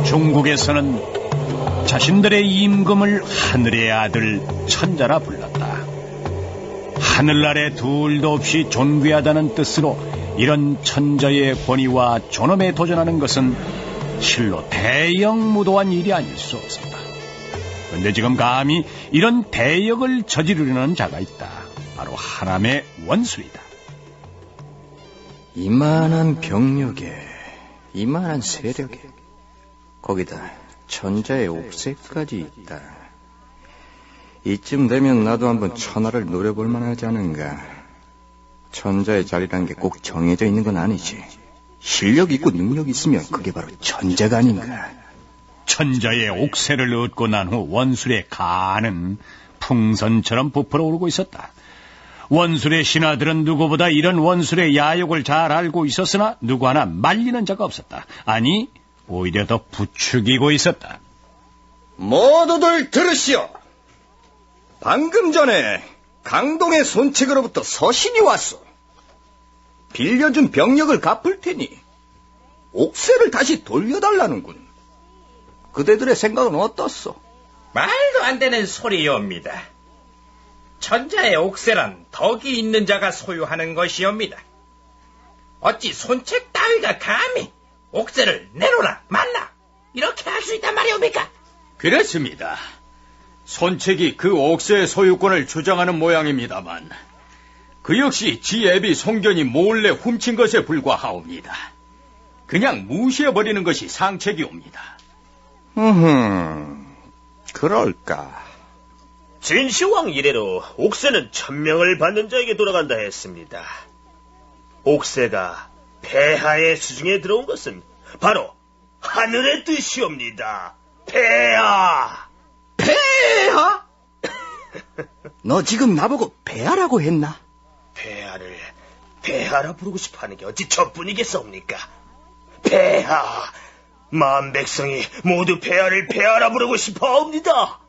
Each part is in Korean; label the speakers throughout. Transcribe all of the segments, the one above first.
Speaker 1: 중국에서는 자신들의 임금을 하늘의 아들 천자라 불렀다. 하늘나라에 둘도 없이 존귀하다는 뜻으로 이런 천자의 권위와 존엄에 도전하는 것은 실로 대역무도한 일이 아닐 수 없었다. 그런데 지금 감히 이런 대역을 저지르려는 자가 있다. 바로 하람의 원술이다.
Speaker 2: 이만한 병력에 이만한 세력에 거기다 천자의 옥새까지 있다. 이쯤 되면 나도 한번 천하를 노려볼 만하지 않은가. 천자의 자리란 게 꼭 정해져 있는 건 아니지. 실력 있고 능력 있으면 그게 바로 천자가 아닌가.
Speaker 1: 천자의 옥새를 얻고 난 후 원술의 가는 풍선처럼 부풀어 오르고 있었다. 원술의 신하들은 누구보다 이런 원술의 야욕을 잘 알고 있었으나 누구 하나 말리는 자가 없었다. 아니, 오히려 더 부추기고 있었다.
Speaker 2: 모두들 들으시오. 방금 전에 강동의 손책으로부터 서신이 왔소. 빌려준 병력을 갚을 테니 옥새를 다시 돌려달라는군. 그대들의 생각은 어떻소?
Speaker 3: 말도 안 되는 소리옵니다. 천자의 옥새란 덕이 있는 자가 소유하는 것이옵니다. 어찌 손책 따위가 감히 옥새를 내놓으라 말라 이렇게 할 수 있단 말이옵니까?
Speaker 4: 그렇습니다. 손책이 그 옥새의 소유권을 주장하는 모양입니다만 그 역시 지 애비 송견이 몰래 훔친 것에 불과하옵니다. 그냥 무시해버리는 것이 상책이옵니다.
Speaker 2: 그럴까.
Speaker 5: 진시황 이래로 옥새는 천명을 받는 자에게 돌아간다 했습니다. 옥새가 폐하의 수중에 들어온 것은 바로 하늘의 뜻이옵니다. 폐하!
Speaker 2: 폐하? 너 지금 나보고 폐하라고 했나?
Speaker 5: 폐하를 폐하라 부르고 싶어하는 게 어찌 저뿐이겠사옵니까? 폐하! 만 백성이 모두 폐하를 폐하라 부르고 싶어옵니다.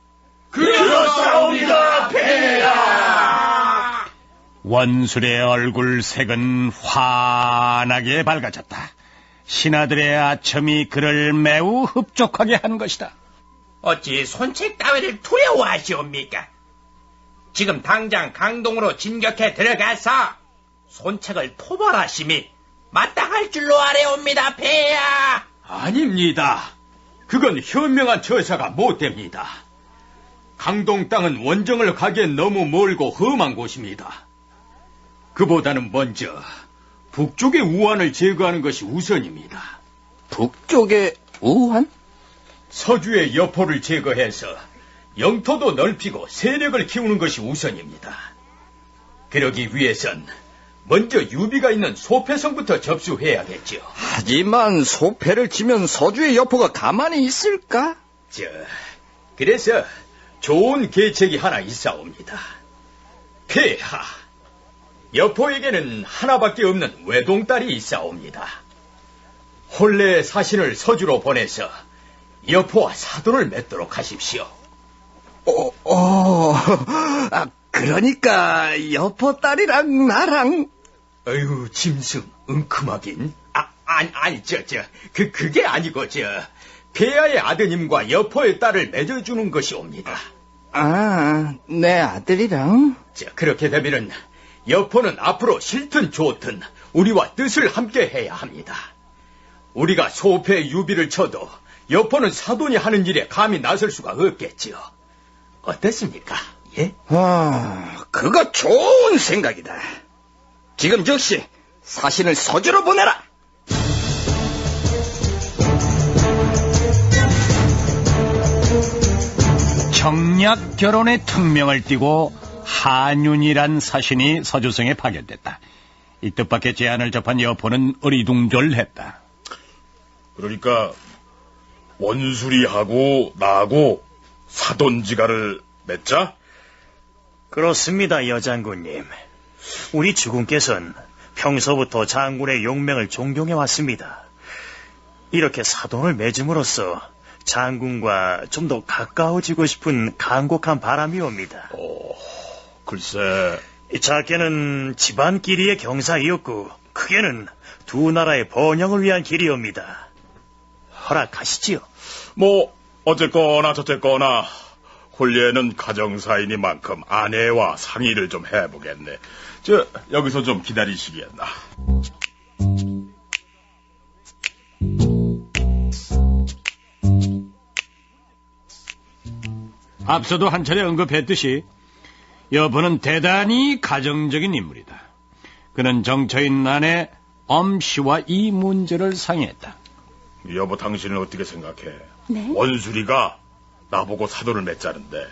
Speaker 5: 그렇사옵니다, 폐하!
Speaker 1: 원술의 얼굴 색은 환하게 밝아졌다. 신하들의 아첨이 그를 매우 흡족하게 한 것이다.
Speaker 3: 어찌 손책 따위를 두려워하시옵니까? 지금 당장 강동으로 진격해 들어가서 손책을 토벌하심이 마땅할 줄로 아래옵니다, 폐하!
Speaker 4: 아닙니다. 그건 현명한 처사가 못됩니다. 강동 땅은 원정을 가기엔 너무 멀고 험한 곳입니다. 그보다는 먼저 북쪽의 우환을 제거하는 것이 우선입니다.
Speaker 2: 북쪽의 우환?
Speaker 4: 서주의 여포를 제거해서 영토도 넓히고 세력을 키우는 것이 우선입니다. 그러기 위해선 먼저 유비가 있는 소패성부터 접수해야겠죠.
Speaker 2: 하지만 소패를 치면 서주의 여포가 가만히 있을까?
Speaker 4: 그래서 좋은 계책이 하나 있사옵니다. 폐하, 여포에게는 하나밖에 없는 외동딸이 있사옵니다. 혼례 사신을 서주로 보내서 여포와 사돈을 맺도록 하십시오.
Speaker 2: 그러니까 여포 딸이랑 나랑.
Speaker 4: 아유, 짐승, 응큼하긴. 그게 아니고, 폐하의 아드님과 여포의 딸을 맺어주는 것이옵니다.
Speaker 2: 내 아들이랑?
Speaker 4: 그렇게 되면은 여포는 앞으로 싫든 좋든 우리와 뜻을 함께 해야 합니다. 우리가 소패 유비를 쳐도 여포는 사돈이 하는 일에 감히 나설 수가 없겠지요. 어떻습니까? 예?
Speaker 2: 그거 좋은 생각이다. 지금 즉시 사신을 서주로 보내라.
Speaker 1: 청약 결혼의 특명을 띠고 한윤이란 사신이 서주성에 파견됐다. 이 뜻밖의 제안을 접한 여포는 어리둥절했다.
Speaker 6: 그러니까 원술이하고 나하고 사돈지간을 맺자?
Speaker 5: 그렇습니다, 여장군님. 우리 주군께서는 평소부터 장군의 용맹을 존경해왔습니다. 이렇게 사돈을 맺음으로써 장군과 좀 더 가까워지고 싶은 간곡한 바람이옵니다.
Speaker 6: 글쎄...
Speaker 5: 작게는 집안끼리의 경사이었고 크게는 두 나라의 번영을 위한 길이옵니다. 허락하시지요.
Speaker 6: 뭐 어쨌거나 저쨌거나 홀리에는 가정사이니만큼 아내와 상의를 좀 해보겠네. 여기서 좀 기다리시겠나.
Speaker 1: 앞서도 한 차례 언급했듯이 여보는 대단히 가정적인 인물이다. 그는 정처인 아내 엄씨와 이 문제를 상의했다.
Speaker 6: 여보, 당신은 어떻게 생각해?
Speaker 7: 네?
Speaker 6: 원수리가 나보고 사돈을 맺자는데.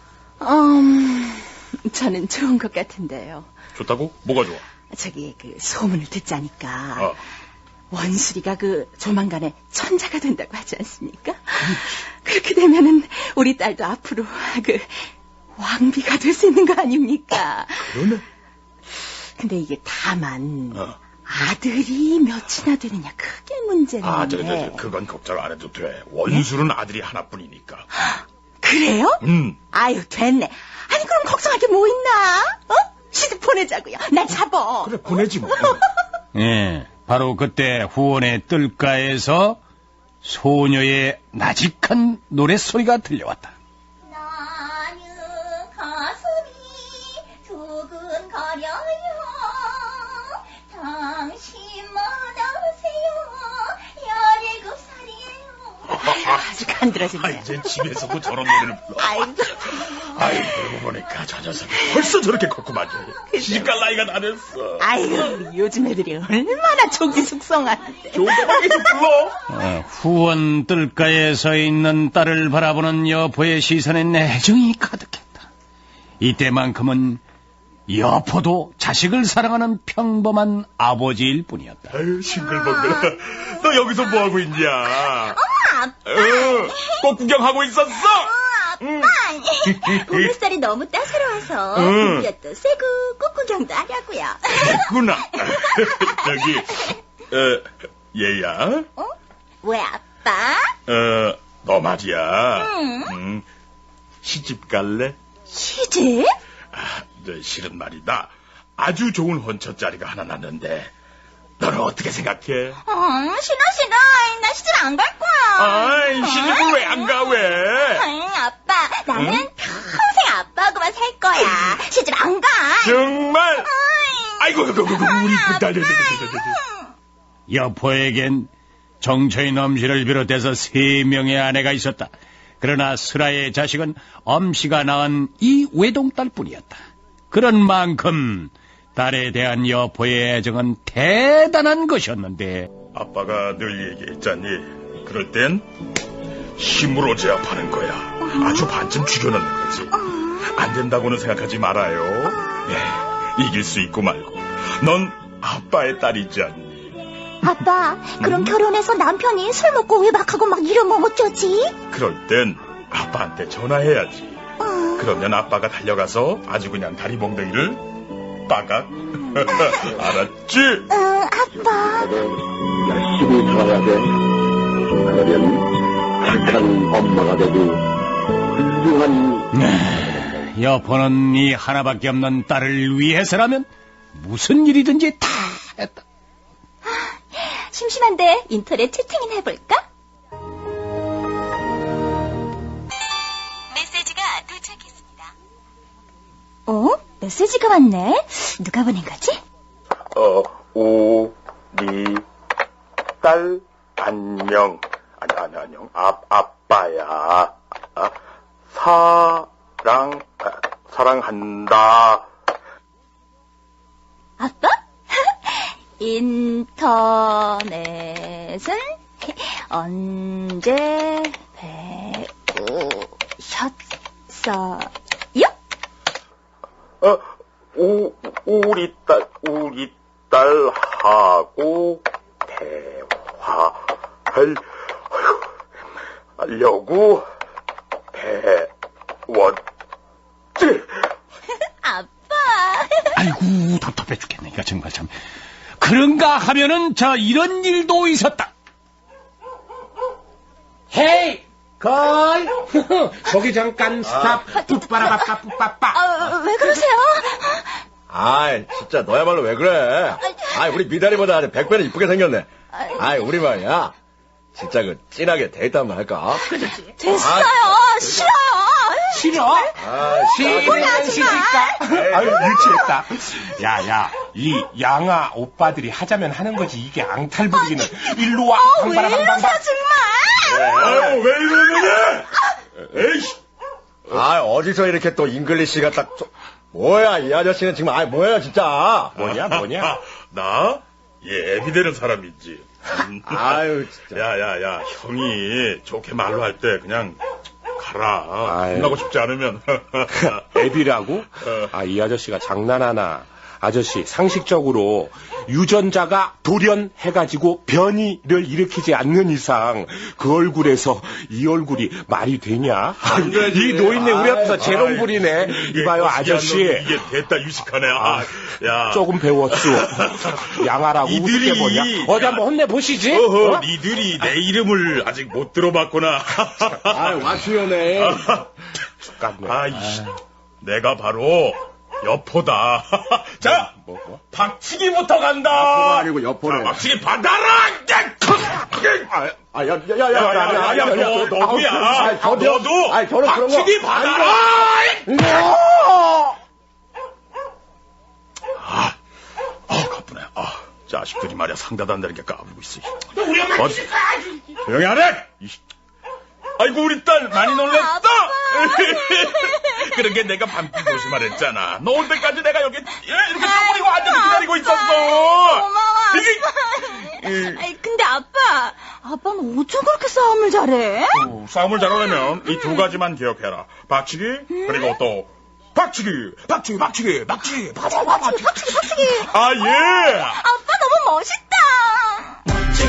Speaker 7: 저는 좋은 것 같은데요.
Speaker 6: 좋다고? 뭐가 좋아?
Speaker 7: 저기 소문을 듣자니까
Speaker 6: 어.
Speaker 7: 원수리가 조만간에 천자가 된다고 하지 않습니까? 그렇게 되면은 우리 딸도 앞으로 왕비가 될 수 있는 거 아닙니까?
Speaker 6: 그러네.
Speaker 7: 근데 이게 다만
Speaker 6: 어.
Speaker 7: 아들이 몇이나 되느냐 그게 문제인데.
Speaker 6: 그건 걱정 안 해도 돼. 원수는 아들이 하나뿐이니까.
Speaker 7: 그래요? 아유 됐네. 아니 그럼 걱정할 게 뭐 있나? 시집 보내자고요. 날 잡어.
Speaker 6: 그래, 보내지 뭐.
Speaker 1: 예, 바로 그때 후원의 뜰가에서 소녀의 나직한 노랫소리가 들려왔다.
Speaker 8: 나는 가슴이 두근거려요. 당신만 아세요. 17살이에요.
Speaker 7: 아주 간드러지네.
Speaker 6: 이제 집에서도 저런 노래를 불러.
Speaker 7: 아이고.
Speaker 6: 그러고 보니까 저 녀석이 벌써 저렇게 컸구만. 시집갈 나이가 다 됐어.
Speaker 7: 아이고 요즘 애들이 얼마나 족이 숙성하는데.
Speaker 6: 조금만 계속 불러.
Speaker 1: 후원 뜰가에 서 있는 딸을 바라보는 여포의 시선엔 애정이 가득했다. 이때만큼은 여포도 자식을 사랑하는 평범한 아버지일 뿐이었다.
Speaker 6: 아유, 싱글벙글. 너 여기서 뭐하고 있냐?
Speaker 8: 아빠.
Speaker 6: 꽃 구경하고 있었어?
Speaker 8: 아빠. 봄햇살이 너무 따사로워서 햇볕도 쐬고 꽃구경도 하려고요.
Speaker 6: 됐구나. 얘야.
Speaker 8: 왜 아빠?
Speaker 6: 너 말이야. 시집 갈래?
Speaker 8: 시집?
Speaker 6: 실은 말이다. 아주 좋은 혼처 자리가 하나 났는데 너는 어떻게 생각해?
Speaker 8: 싫어. 나 시집 안 갈 거야.
Speaker 6: 시집을 왜 안 가, 왜?
Speaker 8: 아빠, 나는 평생 아빠하고만 살 거야. 시집 안 가.
Speaker 6: 정말? 아이고, 우리 딸.
Speaker 1: 여포에겐 정처인 엄씨를 비롯해서 3명의 아내가 있었다. 그러나 슬아의 자식은 엄씨가 낳은 이 외동딸뿐이었다. 그런 만큼 딸에 대한 여포의 애정은 대단한 것이었는데
Speaker 6: 아빠가 늘 얘기했잖니. 그럴 땐 힘으로 제압하는 거야. 아주 반쯤 죽여넣는 거지. 안 된다고는 생각하지 말아요. 이길 수 있고 말고. 넌 아빠의 딸이지 않니?
Speaker 8: 아빠, 그럼 결혼해서 남편이 술 먹고 외박하고 막 이러면 어쩌지?
Speaker 6: 그럴 땐 아빠한테 전화해야지. 그러면 아빠가 달려가서 아주 그냥 다리 몽둥이를 빠각. 알았지?
Speaker 8: 아빠.
Speaker 9: 열심히 살아야 돼. 그러면 착한 엄마가 되고 훌륭한.
Speaker 1: 여포는 이 하나밖에 없는 딸을 위해서라면 무슨 일이든지 다 했다.
Speaker 8: 심심한데 인터넷 채팅이나 해볼까?
Speaker 7: 메시지가 도착했습니다.
Speaker 8: 메시지가 왔네. 누가 보낸 거지?
Speaker 6: 우리 딸 안녕. 안녕. 아빠야. 사랑한다.
Speaker 8: 아빠? 인터넷은 언제 배우셨어요?
Speaker 6: 우리 딸하고 대화하려고 배웠지.
Speaker 8: 아빠.
Speaker 1: 아이고 답답해 죽겠네. 이거 정말 참. 그런가 하면은 이런 일도 있었다.
Speaker 10: 헤이! 걸! 거기 잠깐 스탑! 뿌빠라바빠 뿌빠빠!
Speaker 8: 왜 그러세요?
Speaker 4: 진짜 너야말로 왜 그래? 우리 미다리보다 100배는 이쁘게 생겼네. 우리 말이야.
Speaker 11: 진짜 그 찐하게 데이트 한번 할까?
Speaker 8: 됐어요. 싫어요.
Speaker 10: 싫어? 싫으면 시집가. 아유, 유치했다. 야, 이 양아 오빠들이 하자면 하는 거지. 이게 앙탈 부리기는. 일로 와.
Speaker 8: 왜 이러세요, 정말?
Speaker 6: 아유, 왜 이러느냐? 에이씨.
Speaker 11: 어디서 이렇게 또 잉글리시가 딱, 뭐야, 이 아저씨는 지금, 뭐야, 진짜.
Speaker 10: 뭐냐?
Speaker 6: 나? 얘 애비 되는 사람이지.
Speaker 11: 아유, 진짜.
Speaker 6: 야, 형이 좋게 말로 할 때 그냥 가라.
Speaker 10: 아유.
Speaker 6: 혼나고 싶지 않으면.
Speaker 10: 애비라고? 이 아저씨가 장난하나. 아저씨, 상식적으로 유전자가 돌연해가지고 변이를 일으키지 않는 이상 그 얼굴에서 이 얼굴이 말이 되냐? 이 노인네 우리 앞에서 재롱 부리네. 이봐요, 아저씨.
Speaker 6: 이게 됐다, 유식하네. 야.
Speaker 10: 조금 배웠수. 양아라고 우습게 보냐? 어디 한번 혼내보시지?
Speaker 6: 니들이 내 이름을 아직 못 들어봤구나.
Speaker 11: 와수연해.
Speaker 6: 내가 바로 여포다. 자, 박치기부터 간다.
Speaker 11: 여포가 아니고 여포네.
Speaker 6: 박치기 받아라. 너도야. 너도 박치기 받아라. 가쁘네. 자식들이 말이야 상다도 안 되는 게 까불고 있어.
Speaker 10: 우리 엄마
Speaker 6: 조용히 하래. 아이고 우리 딸 많이 놀랬다. 그러게 내가 밤길 조심하랬잖아. 너 올 때까지 내가 여기 이렇게 쪼그리고 앉아서 기다리고 있었어.
Speaker 8: 고마워. 근데 아빠는 어쩜 그렇게 싸움을 잘해?
Speaker 6: 싸움을 잘하려면 이 두 가지만 기억해라. 박치기 그리고 또 박치기. 아 예.
Speaker 8: 아빠 너무 멋있다.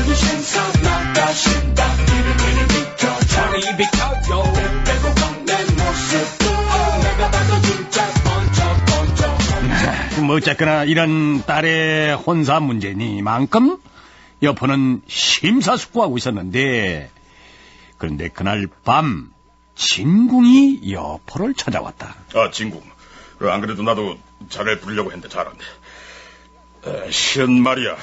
Speaker 1: 뭐 어쨌거나 이런 딸의 혼사 문제니만큼 여포는 심사숙고하고 있었는데, 그런데 그날 밤 진궁이 여포를 찾아왔다.
Speaker 6: 진궁. 안 그래도 나도 자를 부르려고 했는데 잘한데. 실은 말이야.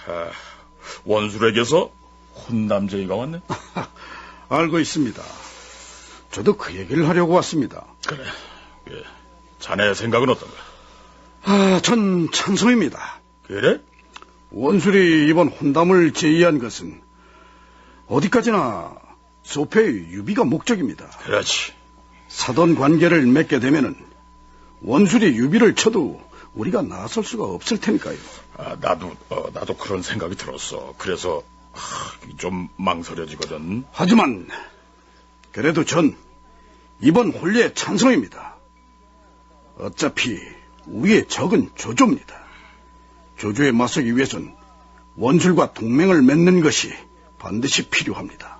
Speaker 6: 원술에게서 혼남쟁이가 왔네.
Speaker 12: 알고 있습니다. 저도 그 얘기를 하려고 왔습니다.
Speaker 6: 그래. 자네 생각은 어떤가?
Speaker 12: 전 찬성입니다.
Speaker 6: 그래?
Speaker 12: 원술이 이번 혼담을 제의한 것은 어디까지나 소패의 유비가 목적입니다.
Speaker 6: 그렇지.
Speaker 12: 사돈 관계를 맺게 되면은 원술이 유비를 쳐도 우리가 나설 수가 없을 테니까요.
Speaker 6: 나도 그런 생각이 들었어. 그래서 좀 망설여지거든.
Speaker 12: 하지만 그래도 전 이번 혼례에 찬성입니다. 어차피 우리의 적은 조조입니다. 조조에 맞서기 위해선 원술과 동맹을 맺는 것이 반드시 필요합니다.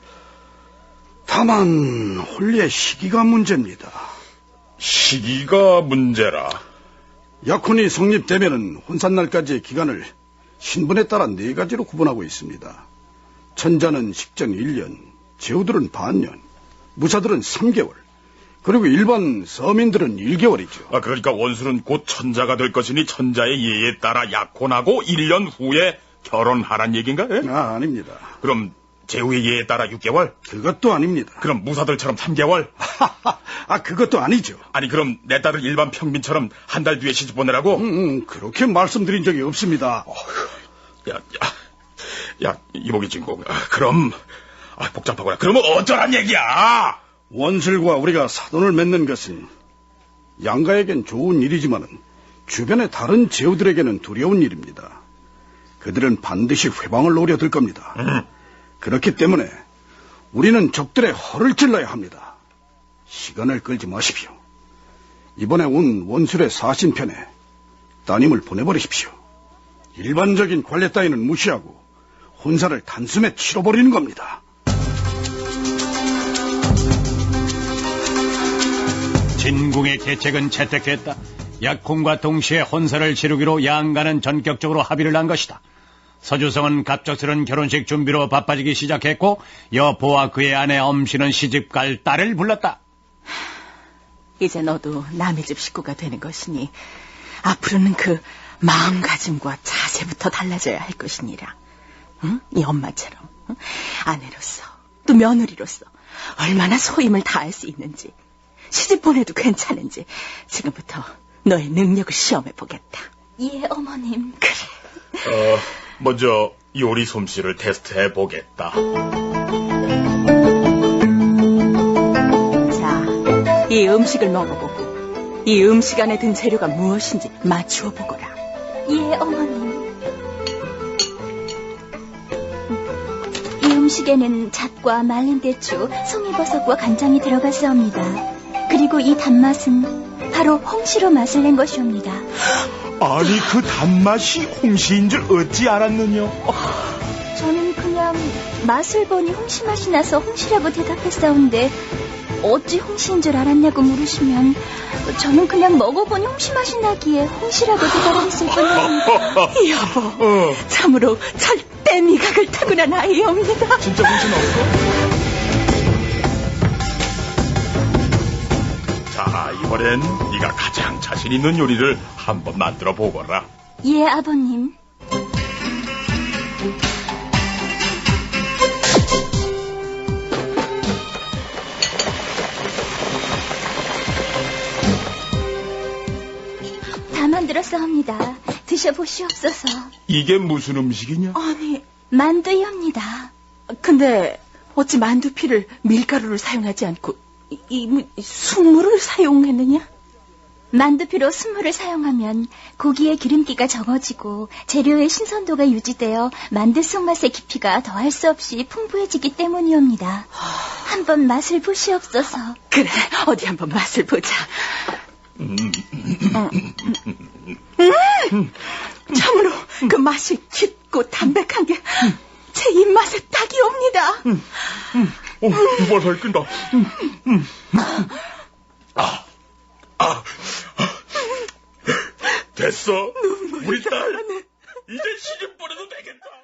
Speaker 12: 다만 혼례 시기가 문제입니다.
Speaker 6: 시기가 문제라?
Speaker 12: 약혼이 성립되면은 혼산날까지의 기간을 신분에 따라 4가지로 구분하고 있습니다. 천자는 식전 1년, 제후들은 반년, 무사들은 3개월, 그리고 일반 서민들은 1개월이죠.
Speaker 6: 그러니까 원술은 곧 천자가 될 것이니 천자의 예에 따라 약혼하고 1년 후에 결혼하란 얘기인가?
Speaker 12: 아닙니다.
Speaker 6: 그럼 제후의 예에 따라 6개월?
Speaker 12: 그것도 아닙니다.
Speaker 6: 그럼 무사들처럼 3개월?
Speaker 12: 그것도 아니죠.
Speaker 6: 아니 그럼 내 딸을 일반 평민처럼 한 달 뒤에 시집 보내라고?
Speaker 12: 그렇게 말씀드린 적이 없습니다.
Speaker 6: 야, 이복이 진공. 그럼 복잡하구나. 그러면 어쩌란 얘기야?
Speaker 12: 원술과 우리가 사돈을 맺는 것은 양가에겐 좋은 일이지만은 주변의 다른 제후들에게는 두려운 일입니다. 그들은 반드시 회방을 노려들 겁니다. 그렇기 때문에 우리는 적들의 허를 찔러야 합니다. 시간을 끌지 마십시오. 이번에 온 원술의 사신편에 따님을 보내버리십시오. 일반적인 관례 따위는 무시하고 혼사를 단숨에 치러버리는 겁니다.
Speaker 1: 진궁의 계책은 채택됐다. 약혼과 동시에 혼사를 치르기로 양가는 전격적으로 합의를 한 것이다. 서주성은 갑작스런 결혼식 준비로 바빠지기 시작했고 여포와 그의 아내 엄씨는 시집갈 딸을 불렀다.
Speaker 7: 이제 너도 남의 집 식구가 되는 것이니 앞으로는 그 마음가짐과 자세부터 달라져야 할 것이니라. 응? 이 엄마처럼. 아내로서 또 며느리로서 얼마나 소임을 다할 수 있는지, 시집 보내도 괜찮은지 지금부터 너의 능력을 시험해 보겠다.
Speaker 8: 예, 어머님.
Speaker 7: 그래.
Speaker 6: 먼저 요리 솜씨를 테스트해 보겠다.
Speaker 7: 자, 이 음식을 먹어보고 이 음식 안에 든 재료가 무엇인지 맞추어 보거라.
Speaker 8: 예, 어머님. 이 음식에는 잣과 말린 대추, 송이버섯과 간장이 들어갔사옵니다. 그리고 이 단맛은 바로 홍시로 맛을 낸 것이옵니다.
Speaker 6: 아니, 그 단맛이 홍시인 줄 어찌 알았느냐?
Speaker 8: 저는 그냥 맛을 보니 홍시 맛이 나서 홍시라고 대답했사온데 어찌 홍시인 줄 알았냐고 물으시면 저는 그냥 먹어보니 홍시 맛이 나기에 홍시라고 대답했을 뿐입니다.
Speaker 7: 여보, 참으로 절대 미각을 타고난 아이옵니다.
Speaker 6: 진짜 홍시 나왔어? 자, 이번엔 네가 가장 자신 있는 요리를 한번 만들어 보거라.
Speaker 8: 예, 아버님. 다 만들었사옵니다. 드셔보시옵소서.
Speaker 6: 이게 무슨 음식이냐?
Speaker 7: 아니,
Speaker 8: 만두이옵니다.
Speaker 7: 근데 어찌 만두피를 밀가루를 사용하지 않고 순물을 사용했느냐?
Speaker 8: 만두피로 순물을 사용하면 고기의 기름기가 적어지고 재료의 신선도가 유지되어 만두 속맛의 깊이가 더할 수 없이 풍부해지기 때문이옵니다. 한번 맛을 보시옵소서.
Speaker 7: 그래, 어디 한번 맛을 보자. 참으로 그 맛이 깊고 담백한 게 제 입맛에 딱이옵니다.
Speaker 6: 두번 살끈다. 됐어. 우리 딸 이제 시집 보내도 되겠다.